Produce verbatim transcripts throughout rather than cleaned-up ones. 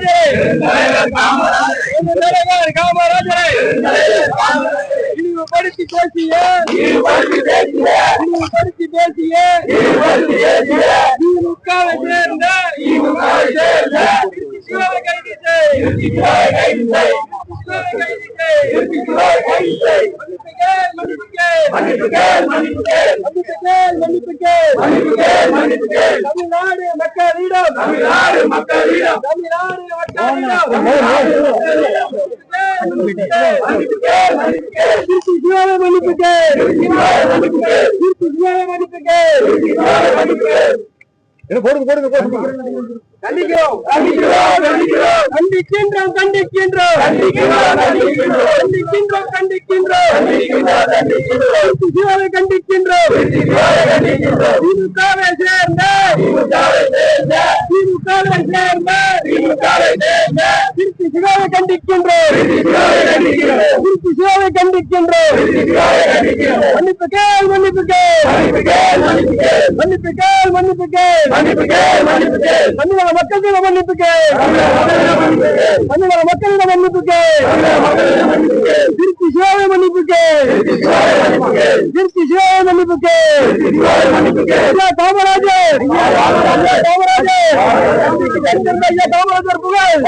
காமராஜரை இழிவுபடுத்தி பேசிய இழிவுபடுத்தி பேசிய திமுகவை சேர்ந்த கைது தமிழ்நாடு மக்களிடம் தமிழ்நாடு மக்களிடம் தமிழ்நாடு கண்டிக்கின்றோம் கண்டிக்கின்றோம் கண்டிக்கின்றோம் கண்டிக்கின்றோம் கண்டிக்கின்றோம் கண்டிக்கின்றோம் கண்டிக்கின்றோம் திமுகவை சேர்ந்த திமுகவை சேர்ந்த திருச்சி சிவாவை கண்டிக்கின்றோம் திருச்சி சிவாவை கண்டிக்கின்றோம் மன்னிப்பு கேள் மன்னிப்பு கேள் மன்னிப்பு கேள் மன்னிப்பு கேள் தமிழக மக்களிடம் மன்னிப்பு கேள் தமிழக மக்களிடம் மன்னிப்பு கேள் திருச்சி சிவாவை மன்னிப்பு கேள் திருச்சி சிவாவை மன்னிப்பு கேள் காமராஜர் காமராஜர் புகழ்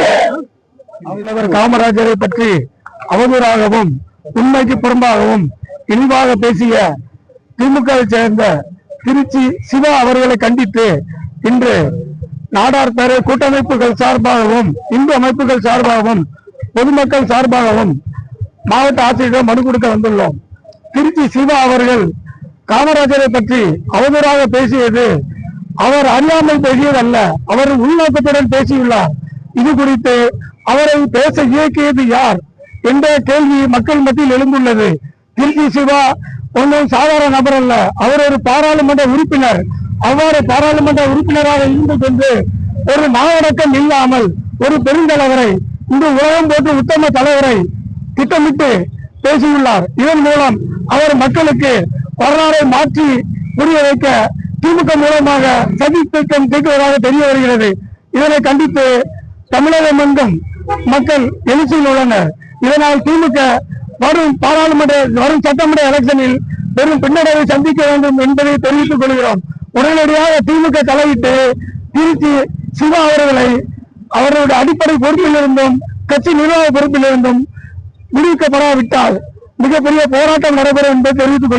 காமராஜரை பற்றி அவதூறாகவும் உண்மைக்கு புறம்பாகவும் இழிவாக பேசிய திமுகவை சேர்ந்த திருச்சி சிவா அவர்களை கண்டித்து இன்று நாடார் பேர கூட்டமைப்புகள் சார்பாகவும் இந்து அமைப்புகள் சார்பாகவும் பொதுமக்கள் சார்பாகவும் மாவட்ட ஆட்சியரிடம் மனு கொடுக்க வந்துள்ளோம். திருச்சி சிவா அவர்கள் காமராஜரை பற்றி அவதூறாக பேசியது அவர் அறியாமல் பேசியதல்ல, அவர் உள்நோக்கத்துடன் பேசியுள்ளார். இது குறித்து அவரை பேச இயக்கியது யார் என்ற கேள்வி மக்கள் மத்தியில் எழுந்துள்ளது. திருச்சி சிவா ஒன்றும் சாதாரண நபர் அல்ல, அவர் ஒரு பாராளுமன்ற உறுப்பினர். அவ்வாறு பாராளுமன்ற உறுப்பினராக இருந்து கொண்டு ஒரு நாவடக்கம் இல்லாமல் ஒரு பெருந்தலைவரை இந்த உலகம் போன்ற உத்தம தலைவரை திட்டமிட்டு பேசியுள்ளார். இதன் மூலம் அவர் மக்களுக்கு வரலாறை மாற்றி புரிய வைக்க திமுக மூலமாக சதி திட்டம் தீட்டுவதாக தெரிய வருகிறது. இதனை கண்டித்து தமிழகம் எங்கும் மக்கள் எழுச்சியில் உள்ளனர். இதனால் திமுக வரும் பாராளுமன்ற வரும் சட்டமன்ற எலெக்ஷனில் பெரும் பின்னடைவை சந்திக்க வேண்டும் என்பதை தெரிவித்துக் கொள்கிறோம். உடனடியாக திமுக தலையிட்டு திருச்சி சிவா அவர்களை அவர்களுடைய அடிப்படை பொறுப்பிலிருந்தும் கட்சி நிர்வாக பொறுப்பிலிருந்தும் விடுவிக்கப்படாவிட்டால் மிகப்பெரிய போராட்டம் நடைபெறும் என்பதை தெரிவித்துக்